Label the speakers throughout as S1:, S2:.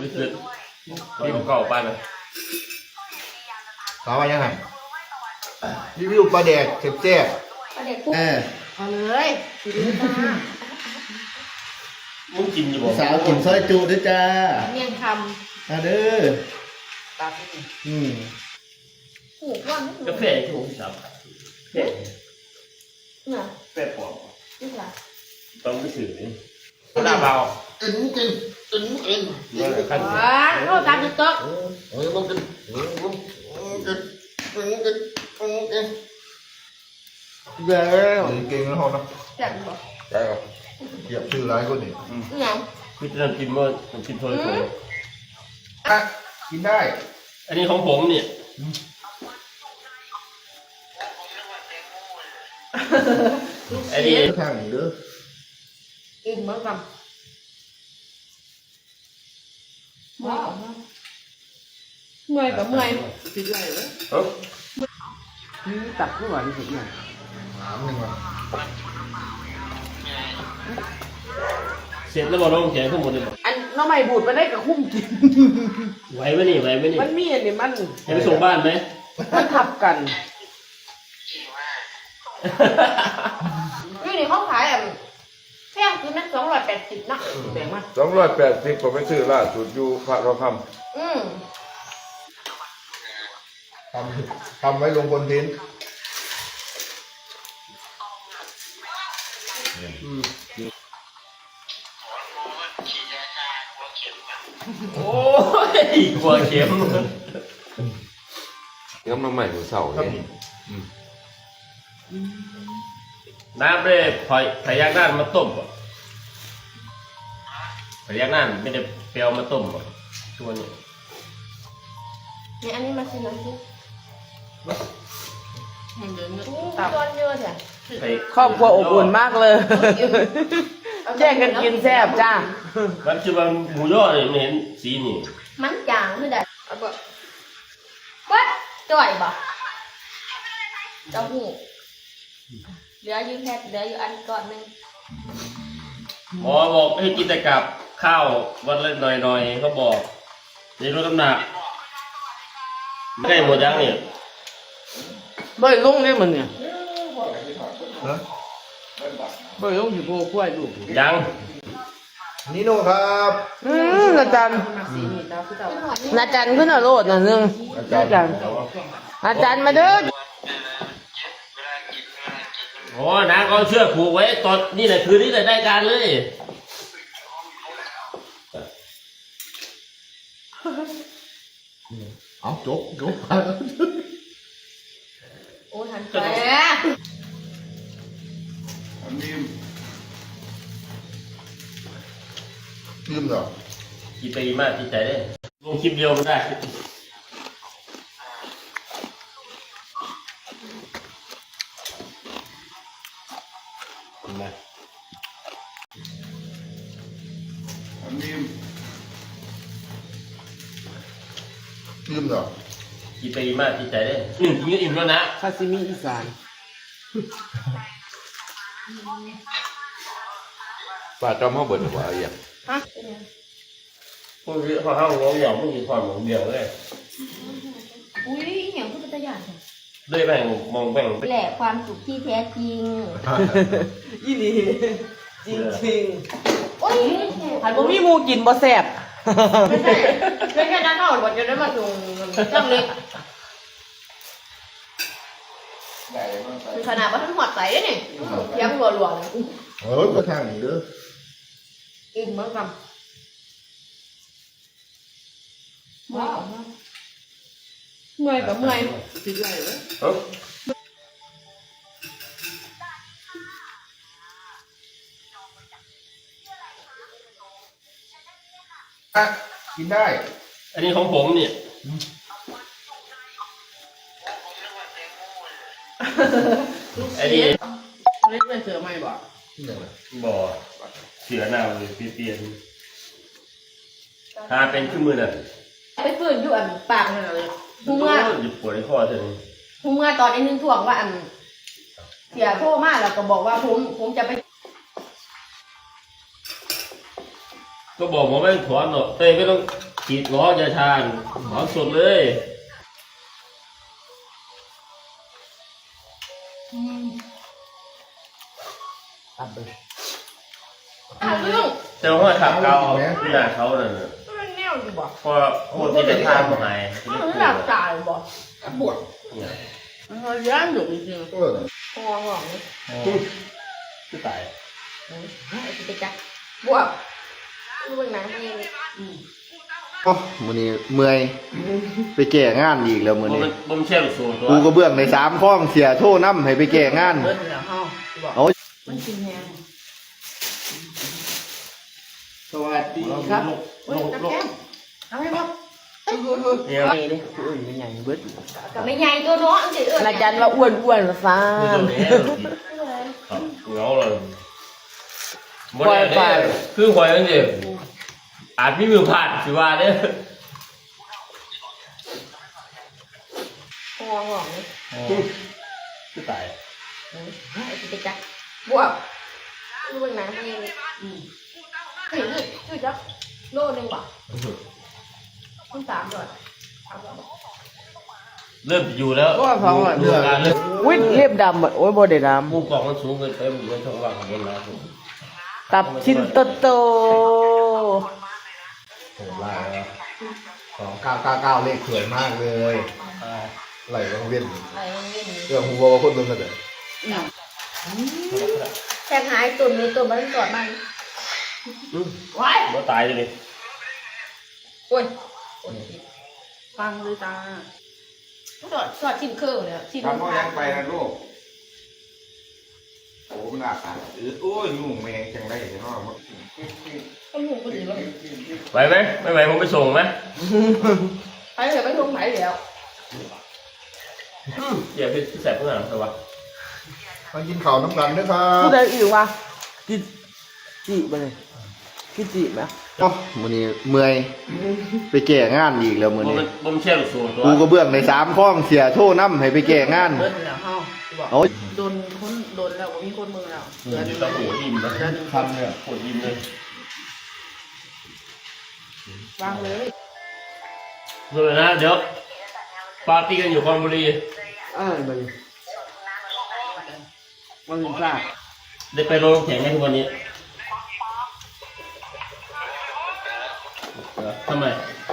S1: รู้สึกนี่ผมเก่าไปไหม
S2: ต่อไปยังไงรีวิวปลาแดกเจ็บแจ๊บ
S3: ปลาแดกปุ๊บเอาเลยสิดูจ้า
S1: มึงกินอยู่บ่
S2: สาวกินซอยจุด้วยจ้า
S3: เมี่ยงค
S2: มาเด้อ
S3: ำตับผูกว่างนิดนึง
S1: กาแฟถูกจับ
S3: เนี่ย
S1: แฟปอก
S3: นี่แหละ
S1: ต้องไปสื่อนี่หน้าเบา
S2: กิน
S3: เข้าตามจุดโต๊ะ
S2: แล้วเก่งแล้วนะ
S3: แซ่บบ่
S2: ใช่ครับเหยียบชื่อร้ายคนนี้
S3: ยัง
S1: พี่จะกินเมื่อผมกินโทรศัพท์
S2: กินได้
S1: อันนี้ของผมเนี่ยอันนี้
S2: ทางนี้เด้อ
S3: อิ่มเหมือนกันเมื่อยกับเมื่อยติดไหลเลยตักผู้หวานสุดอย่าง
S2: น้ำหนึ่ง
S1: เสร็จแล้วบอกน้องแข็งทั้งหมดเลย
S3: อันน้องใหม่บูดมาได้กับคุ้มกิน
S1: ไหวไหมนี่
S3: มันมีอันนี้มัน
S1: ให้ไปส่งบ้านไหม
S3: มันทับกันนี่เขาขายอ่ะแพงคือนั้น280นะแพงมาก
S4: 280ก็ไปซื้อล่าสุดอยู่พระทองคำ
S2: ทำไว้ลงบนเทน
S1: โอ้ยกลัวเข็ม
S4: ยังมาใหม่หนูเสาเนี่ย
S1: น้ำเลยพยักด้านมาต้มก่อนพยักด้านไม่ได้เปรี้ยวมาต้มก่อนตัวนี้
S3: เนี่ยอันนี้มาชิมหน่อยสิตับเยอะจ้ะครอบครัวอบอุ่นมากเลยแย่งกันกินแซ่บจ้า
S1: มันคือว่าหมูย่อเนี่ยไม่เห็นสีนี่
S3: มันจางคือได้เอาบ่วัดจ่อยบ่เจ้าหูเหลืออยู่แค่เหลืออยู่อันก่อนนึง
S1: หมอบอกให้กินแต่กับข้าววันละหน่อยเขาบอกในลดน้ำหนักไม่ได้หมดยังเนี่ย
S3: บ่อยลงเนี่ยมันเนี่ยบ่อยลงอยู่โพกล้วยลูก
S1: ยัง
S2: นิโน่ครับ
S3: นาจันขึ้นเอาโลดน่ะนึงนาจันมาเด้อ
S1: โอ้น้าก็เชือกผูกไว้ตอนนี่แหละคือนี่แหละได้การเลย
S2: เอาจบ
S3: โอ้ทันแป
S2: ลืมเหรอ
S1: กี่ปีมากที่ใจได้ลงคลิปเดียวมันได้
S2: ลืมเหรอ
S1: กี่ปีมากที่ใจได้อิ่มแล้วนะ
S3: ซาซิมิอีสาน
S4: ป้าจอมเขาเบิดหัวอะไรอย่าง
S1: พวกนี้เขาห้างร้องหยอกพวกนี้ถอนหมองเดียวเลย
S3: อุ้ยอย่างพูดตัวอย่าง
S1: เลยแบ่งมองแบ่ง
S3: แหละความสุขที่แท้จริงยี่ดีจริงโอ้ยหันบ่มีมูกินบ่แซ่บไม่ใช่นั้นเท่าบ่จะได้มาส่งจังเล็กคือขนาดว่าทั้งหมดใส่เนี่ยยังหลวง
S2: ก็ทางนี้เด้อ
S3: อิ่มเหมือนกันเมื่อยกับเมื่อยติดไหลเลย
S2: กินได้
S1: อันนี้ของผมเนี่ยอันนี้
S3: เล่นเป็นเสือไหมบ่
S1: บ่เสือหน้าเลยเปลี่ยนถ้าเป็นขึ้นมือน่ะ
S3: ไปฝืนอยู่อันปากนั่นเลยพุ่งว่า
S1: หยุดปวดในคอเถอะ
S3: พุ่งว่าตอนนี้นึงถ่วงว่าอันเสียโทษมากแล้วก็บอกว่าผมจะไป
S1: ก็บอกผมไม่ถอนหรอกเต้ไม่ต้องฉีดล้อจะทานของสดเลย
S3: ตับเลย
S1: แต่ว่าขับเกาที่หน้าเขาเนี่ย
S3: มันแนวอยู่บ่
S1: พอคนที่จะทานมาหาย
S3: มันหลับตายบ่ปวดมันย้านอยู่จริง
S2: เออ
S3: ๆคอหงนี่
S1: คือตาย
S3: ไอ้ที่ไปจักบวกดูเบิ่งหนังเอง
S2: โอ้มื้อนี้เมื่อยไปแก้งานอีกแล้วมื้อนี้
S1: บ่มเชี่ยวสูงตัว
S2: กูก็เบื้องใน3ข้องเสียโทษนำให้ไปแก้งาน
S3: เบิ่งแล้วเฮาบอก
S2: เอา
S3: มันกินแฮง
S2: สวัสดีครับ
S3: เฮ้ยจับแก้มทำให้บ่
S1: เนี่ย
S3: ไปดิอุ้ยมันใหญ่เบิด
S5: ก็ไม่ใหญ่ตัวเนาะอันเดียว
S3: อาจารย์ว่าอ้วนๆละฟ้า
S1: คือตัวนี้เงาเลยบ่ได้คือหอยจังซี่อาจมีมือพลาดสิว่าเด้อ
S3: คอหงนี่
S1: คือตาย
S3: ไอ้ที่ไปจักบวกดูเบิ่งหนังเองเฮ้ยนี่จักโลนึงบ่ต้อง3ดอก
S1: เริ่มอยู่แล้ว
S2: เนื้อ
S1: การเริ่ม
S3: อุ้ยเล็บดำอ่ะโอ้ยบ่ได้ด
S1: มุมกล่องมันสูงเกินไปมันอยู่ในช่องว่างของบนแล้วผม
S3: ำตับชิ้นโต
S2: โหลายแล้ว2999เลขสวยมากเลยไหลกังเวียน
S5: อะไรเงี้ย
S2: เรื่องฮู้ว่าคนเบิ่งกันเด้อ
S5: แทงหายตุ่นเลยตุ่นมันตรวจมัน
S3: ว้าย
S1: บ่ตายเลย
S5: โอ้ย
S3: ฟังเลยตา
S5: สอดชิ้นเครื่องเนี่ยชิ้น
S6: ทำพ่อยังไปนะลูกโอ้มันอาบโอ้ยงูแมงจังไรเนาะ
S5: ต้องหูคนอื่นบ้าง
S1: ไหวไหมไม่ไหวผมไปส่งไหม
S5: ไปเถอะไปทงไหนแล้ว
S1: อย่าไปแสบเพื่อนหรอวะ
S2: มากินข้าวน้ำกันเด้อครั
S3: ผู้
S2: บ
S3: ใดอื่นวะจีบเลยพี่จีบไหม
S2: โอ้มื้อนี้เมื่อยไปแก้งานอีกแล้วมื้อนี้
S1: บ่มเชี่ยวสูงตัว
S2: กูก็เบื้องใน3ข้องเสียโทษนำให้ไปแก้งาน
S3: เบิดแล้วเฮาบอก
S2: เอา
S3: โดนคนโดนแล้วมีคนมือแล้ว
S1: เงินอยู่ตะโหยิ้มนะ
S2: คันเนี่ย
S1: โหยิ้มเลย
S3: วางเลย
S1: เลยนะเดี๋ยวปาร์ตี้กันอยู่คอนบุรี
S3: ไปมันถึงพลาด
S1: ได้ไปโรงแข่งไหมทุกวันนี้ทำไม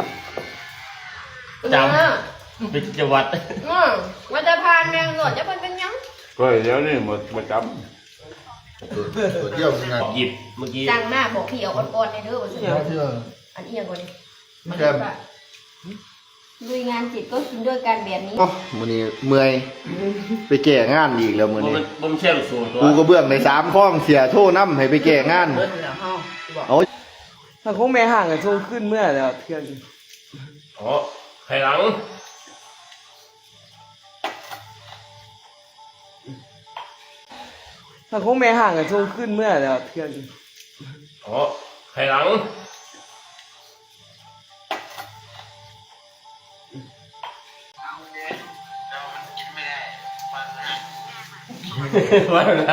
S1: จำเป็นจังหวัด
S5: มันจะพานแมงหนวดจะเป็นยัง
S6: ก็เดี๋ยวนี่หมดประจ
S2: ตัวเที่ยวงาน
S1: หยิบเมื่อกี้
S5: จังหน้าบอกพี่เอาอ่อนๆในเด้อว่าสิ
S2: เที่ยว
S5: อันเอียงกว่านี้
S2: แก้ม
S5: ลุยงานจิตก็กินด้วยกันแบบนี้
S2: โอ้มื้อนี้เมื่อยไปแก้งานอีกแล้วมื้อนี้
S1: บ่มเชี่ยวสูงตัว
S2: กูก็เบื้องใน3ข้องเสียโทษนำให้ไปแก้งาน
S3: เบิดแล้วเฮาบอก
S2: เอา
S3: ถ้าคงแม่ห่างกันช่วงขึ้นเมื่อแล้วเที่ยง
S1: อ๋อไข่หลัง
S3: ถ้าคงแม่ห่างกันช่วงขึ้นเมื่อแล้วเที่ยง
S1: อ๋อไข่หลังว่าอะไร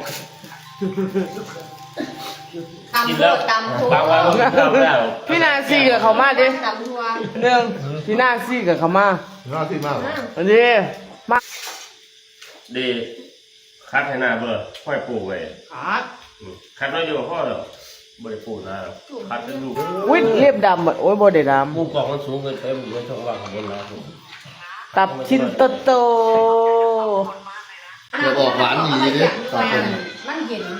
S5: ตำตัวตำทัว
S1: บางวันผมทำไม่ได้หรอก
S3: พี่นาซีกับเขามาดิ
S5: ตำทัว
S3: เรื่องพี่นาซีกับเขามา
S2: น่าที่มาก
S3: อันนี้มา
S1: ดีคัดให้หน้าเบอร์ค่อยปลูกไว้
S3: ขาด
S1: คัดน้อยเดียวพ่อเดี๋ยวบริปลูกนะคัดเป็นลูก
S3: อุ้ยเล็บดำอ่ะโอ้ยบ่ได้ด
S1: มุมกล่องมันสูงเกินไปมันอยู่ในช่องว่างของบนแล้ว
S3: ำตับชิ้นโต
S2: เดี๋ยวออกหวานดีเด้ตาคน
S5: มันเย็น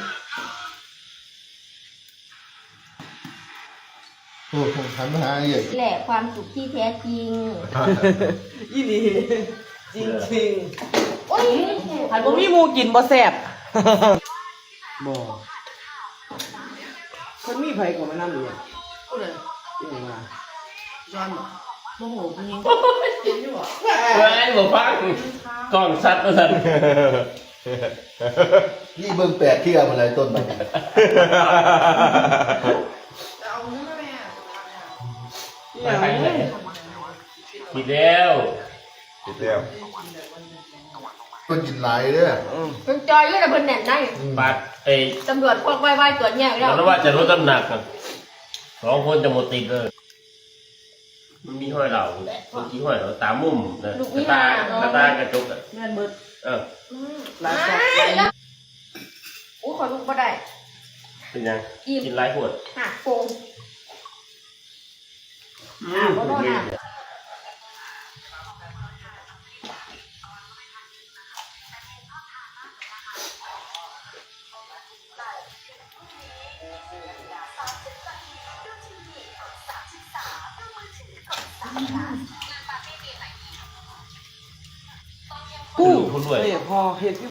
S2: โอ้โหหันมาหาอีก
S5: แหละความสุขที่แท้จริง
S3: อีนี่จริง
S5: โอ้ย
S3: ๆหันบ่มีหมูกินบ่แซ่บบ่คนมีไผก็มานำอยู่อ่ะผู้ใดอีหยังมาย้อนบ่โมโหจริงเห็นอยู่บ่
S1: เฮ้ยบอกฟังกล้องซัดมาสั่น
S2: นี่เบิ่งแปดเที่ยมาเลยต้นมัน
S1: ไปไหนผิดแล้ว
S6: ำติดแล้ว
S2: ต้นกินหลายเด้อ
S5: มันจอยอยู่แต่เพิ่นแน่นได้
S1: ปัดไอ้
S5: ตำรวจพวกไวๆตรวจแยกแล้ว
S1: แล้วว่าจะลดน้ำหนัก2 คนจะหมดติดเลยมันมีห้อยเหล่าบางทีห้อยเหล่าตามุมนะกระตากระจกอ่ะ
S3: เงินเบิด
S1: เออ
S3: หลายจับ
S5: อู้ขอลูกบ่ได้
S1: เป็นยังกินไรขวด
S5: หักโป่ง บ่โดนอ่ะ
S3: กู้
S1: คุณรวย
S3: เฮ้ยพอเห็น